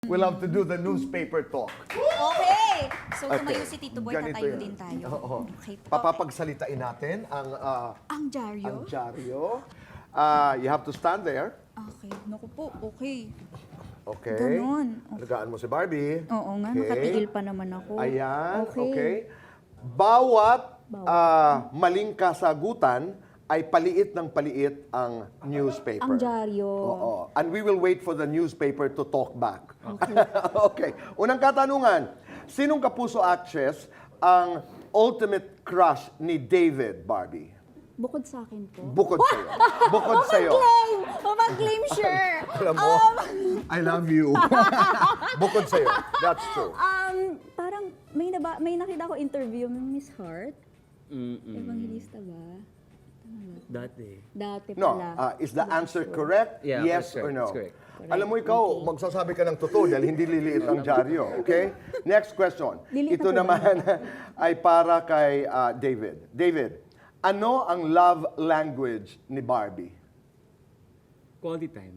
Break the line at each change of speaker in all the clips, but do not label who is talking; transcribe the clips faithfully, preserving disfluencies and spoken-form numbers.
We'll have to do the newspaper talk.
Okay! So, tumayo
Okay.
si Tito Boy,
Ganito
tatayo
yan.
din tayo.
Oo.
Okay po.
Papapagsalitain natin ang ah,
Ang dyaryo?
ang dyaryo. Ah, you have to stand there.
Okay. Naku po, okay.
Okay.
Ganon.
Alagaan mo si Barbie.
Oo nga,
Okay.
nakatigil pa naman ako.
Ayan, okay.
Okay.
Bawat
Bawat.
ah, maling kasagutan ay paliit ng paliit ang newspaper.
Ang dyaryo.
Oo. And we will wait for the newspaper to talk back. Okay. Okay. Unang katanungan, sinong kapuso actress ang ultimate crush ni David, Barbie?
Bukod sa akin po.
Bukod sa'yo. Bukod sa'yo.
Mag-claim! Mag-claim, sure!
Alam mo,
Um,
I love you. Bukod sa'yo. That's true.
um, parang may, naba, may nakita ko interview ng Miss Hart.
Mm-mm.
Evangelista ba?
Dati.
Dati
No,
pala.
uh, is the answer correct?
Yeah,
Yes
that's
or
correct,
no?
that's correct.
Alam mo ikaw, magsasabi ka ng totoo dahil hindi liliit ang dyaryo. Okay? Next question.
Liliit
Ito
ako ba?
naman ay para kay uh, David. David, ano ang love language ni Barbie?
Quality time.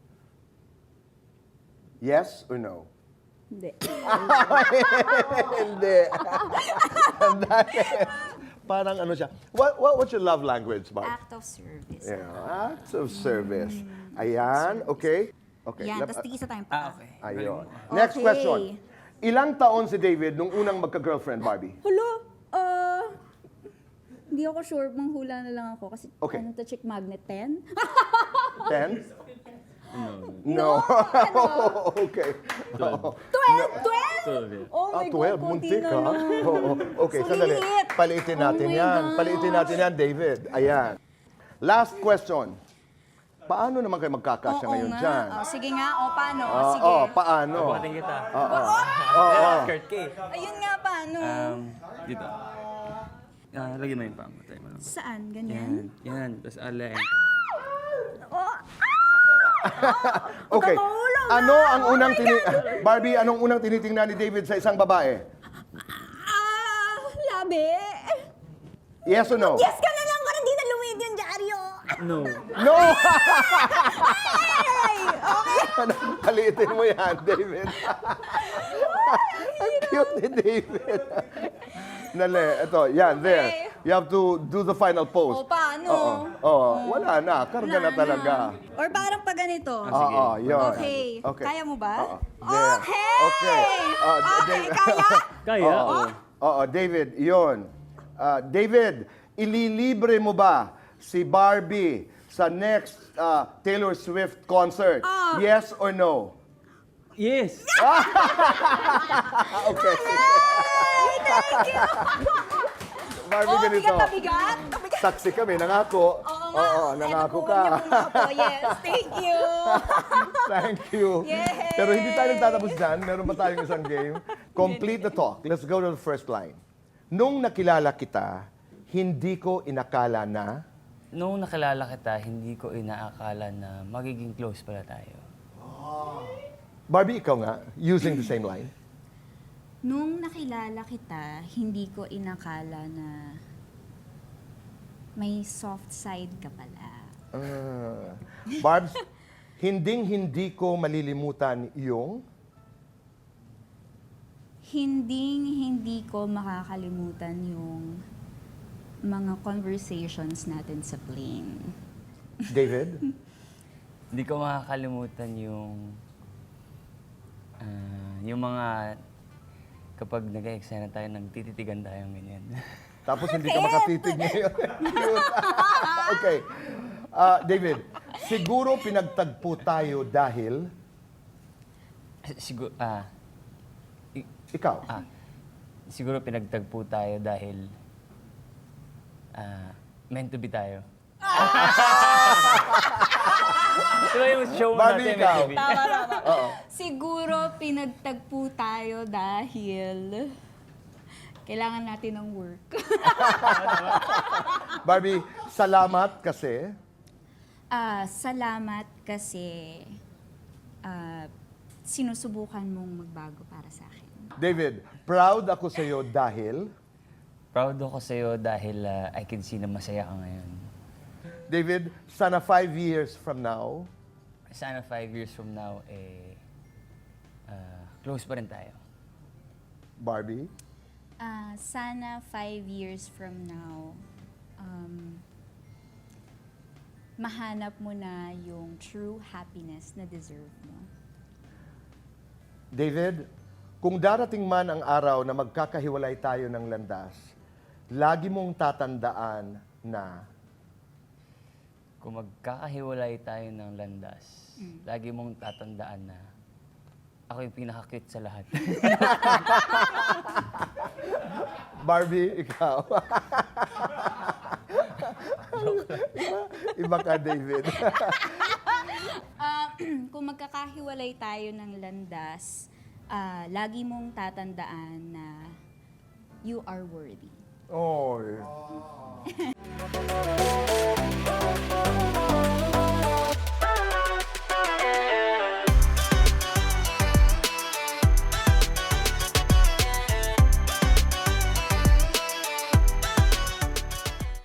Yes or no?
Hindi.
Hindi. Parang ano siya. What, what, what's your love language, Barb?
Act of service.
Yeah, acts of service. Ayan, okay. Okay.
Yan,
lab-
tapos tigisa tayong
Ah,
pa.
okay.
Ayun. Next
Okay.
question. Ilang taon si David nung unang magka-girlfriend, Barbie?
Hello? Uh, hindi ako sure, manghula na lang ako. Kasi
Okay.
ano to, chick magnet, ten?
Ten?
No.
No. okay. Oo.
twelve? twelve?
twelve, yeah.
Oh
Ah,
my
twelve.
God, konti
Muntik,
na
ha?
lang.
Oo. Okay,
So
sandali.
liliit.
Paliitin natin
Oh my
yan.
gosh.
Paliitin natin yan, David. Ayan. Last question. Paano naman kayo magkakasya
Oo
ngayon
nga.
dyan?
Oh, sige nga, o paano?
Oo,
sige.
oh, paano?
Buhatin kita.
Oo. Oo.
Skirt K.
Ayun nga, paano?
Um, dito. Ah, lagyan mo yung pang. Tayo mo lang.
Saan?
Yan.
Ganyan?
Yan. Tapos alay.
Oh,
Okay.
Magkakahulog
Ano
na!
ang
Oh
unang
my
tini... Barbie, anong unang tinitingnan ni David sa isang babae?
ah, labi.
Yes or no?
Yes ka na lang, parang di na lumid yung dyaryo.
No.
No!
Ay, okay.
Ano, paliitin mo yan, David. Ang cute ni David. Nale, ito, yan, there.
Okay.
You have to do the final pose.
O, paano?
Oo, oo. Wala na, karga na
Wala
talaga.
Or parang pa ganito.
Oo, yun.
Okay. Kaya mo ba?
Oo, there.
Okay!
Okay. Oh,
Okay,
David-
kaya?
Kaya?
Oo,
Oo.
oo, David, yun. Ah, David, ililibre mo ba si Barbie sa next ah, Taylor Swift concert?
Ah.
Yes or no?
Yes!
Okay.
Thank you!
Barbie,
Oh,
ganito.
bigat na bigat. Bigat.
Saksi kami, nangako.
Oo nga.
Oo,
Ay,
nangako
naku,
ka.
huwag niyo po nga po. Yes, thank you.
Thank you.
Yay!
Pero hindi tayo nagtatapos dyan. Meron pa tayong isang game. Complete the talk. Let's go to the first line. Nung nakilala kita, hindi ko inakala na...
Noong nakilala kita, hindi ko inaakala na magiging close pala tayo.
Barbie, ikaw nga, using the same line.
Nung nakilala kita, hindi ko inakala na may soft side ka pala.
Ah. Barbs, hinding-hindi ko malilimutan yung...
Hinding hindi ko makakalimutan yung mga conversations natin sa plane.
David?
Hindi ko makakalimutan yung... ah, yung mga... Kapag nag-eksena tayo, nagtititigan tayo ganyan.
Tapos hindi ka makatitig ngayon. Cute. Okay. Ah, David, siguro pinagtagpo tayo dahil...
Siguro, ah, i-
Ikaw.
ah, siguro pinagtagpo tayo dahil ah, meant to be tayo. Diba yung show
Barbie,
natin,
ikaw.
meant to be?
Tama, tama.
Oo.
Siguro pinagtagpo tayo dahil kailangan natin ng work.
Barbie, salamat kasi...
Ah, salamat kasi ah, sinusubukan mong magbago para sa akin.
David, proud ako sa iyo dahil...
Proud ako sa'yo dahil ah, I can see na masaya ka ngayon.
David, sana five years from now,
Sana five years from now, eh, ah, close pa rin tayo.
Barbie?
Ah, sana five years from now, um, mahanap mo na yung true happiness na deserve mo.
David, kung darating man ang araw na magkakahiwalay tayo ng landas, lagi mong tatandaan na
Kung magkakahiwalay tayo ng landas, lagi mong tatandaan na ako yung pinaka-cute sa lahat.
Barbie, ikaw. Iba ka, David.
Ah, kung magkakahiwalay tayo ng landas, ah, lagi mong tatandaan na you are worthy.
Oy.